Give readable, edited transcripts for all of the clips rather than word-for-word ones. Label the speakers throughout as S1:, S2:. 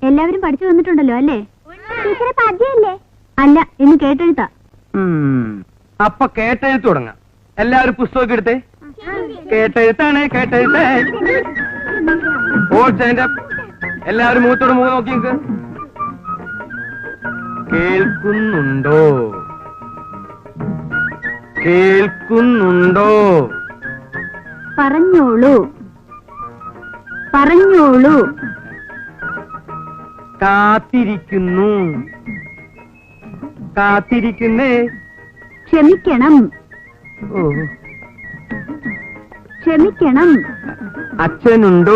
S1: എല്ലാവരും പഠിച്ചു വന്നിട്ടുണ്ടല്ലോ അല്ലേ? ടീച്ചറെ പദ്യല്ലേ? അല്ല, ഇന്ന് കേട്ടെഴുത്താ.
S2: അപ്പൊ കേട്ടെഴുത്ത് തുടങ്ങാം. എല്ലാവരും പുസ്തകമൊക്കെ എടുത്തേ. കേട്ടെഴുത്താണ്, കേട്ടെഴുത്തേ. All stand up. എല്ലാവരും മുഖത്തോട് മുഖം നോക്കി നിൽക്ക്. കേൾക്കുന്നുണ്ടോ? കേൾക്കുന്നുണ്ടോ?
S1: പറഞ്ഞോളൂ, പറഞ്ഞോളൂ.
S2: കാത്തിരിക്കുന്നു. കാത്തിരിക്കുന്നേ.
S1: ക്ഷമിക്കണം,
S2: ഓ,
S1: ക്ഷമിക്കണം.
S2: അച്ഛനുണ്ടോ?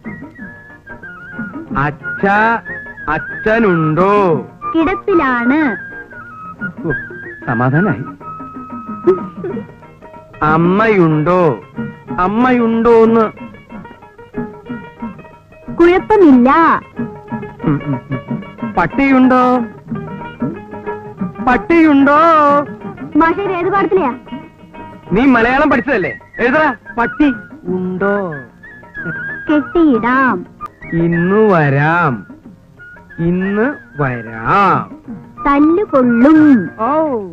S2: അച്ഛനുണ്ടോ?
S1: കിടപ്പിലാണ്.
S2: സമാധാനായി. അമ്മയുണ്ടോ? അമ്മയുണ്ടോന്ന്.
S1: കുഴപ്പമില്ല.
S2: പട്ടിയുണ്ടോ? പട്ടിയുണ്ടോ?
S1: മാഷേ, ഏത് പാടത്തിലെയാ?
S2: നീ മലയാളം പഠിച്ചതല്ലേ? എഴുതടാ. പട്ടി ഉണ്ടോ?
S1: കെട്ടിയിടാം.
S2: ഇന്ന് വരാം. ഇന്ന് വരാം.
S1: തല്ലുകൊള്ളും.
S2: ഓ,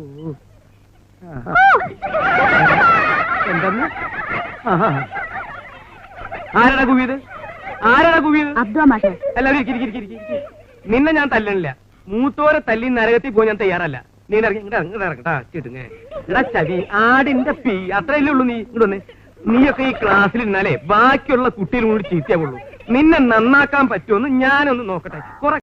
S2: എന്തെന്ന്? ആരാടാ കുവിയത്? ആരാടാ കുവിയത്?
S1: അബ്ദുള്ള മാഷേ.
S2: എല്ലാവരും ഇരിക്ക്. നിന്നെ ഞാൻ തല്ലണില്ല. മൂത്തോരെ തല്ലി നരകത്തിൽ പോയി ഞാൻ തയ്യാറല്ല. നീ ഇറങ്ങട്ടാ. ചവി ആടിന്റെ പീ അത്രയല്ലേ ഉള്ളൂ. നീ ഇങ്ങോട്ട് വന്നേ. നീയൊക്കെ ഈ ക്ലാസ്സിൽ ഇരുന്നാലേ ബാക്കിയുള്ള കുട്ടികളും കൂടി ചീത്തയാവുള്ളൂ. നിന്നെ നന്നാക്കാൻ പറ്റുമെന്ന് ഞാനൊന്ന് നോക്കട്ടെ.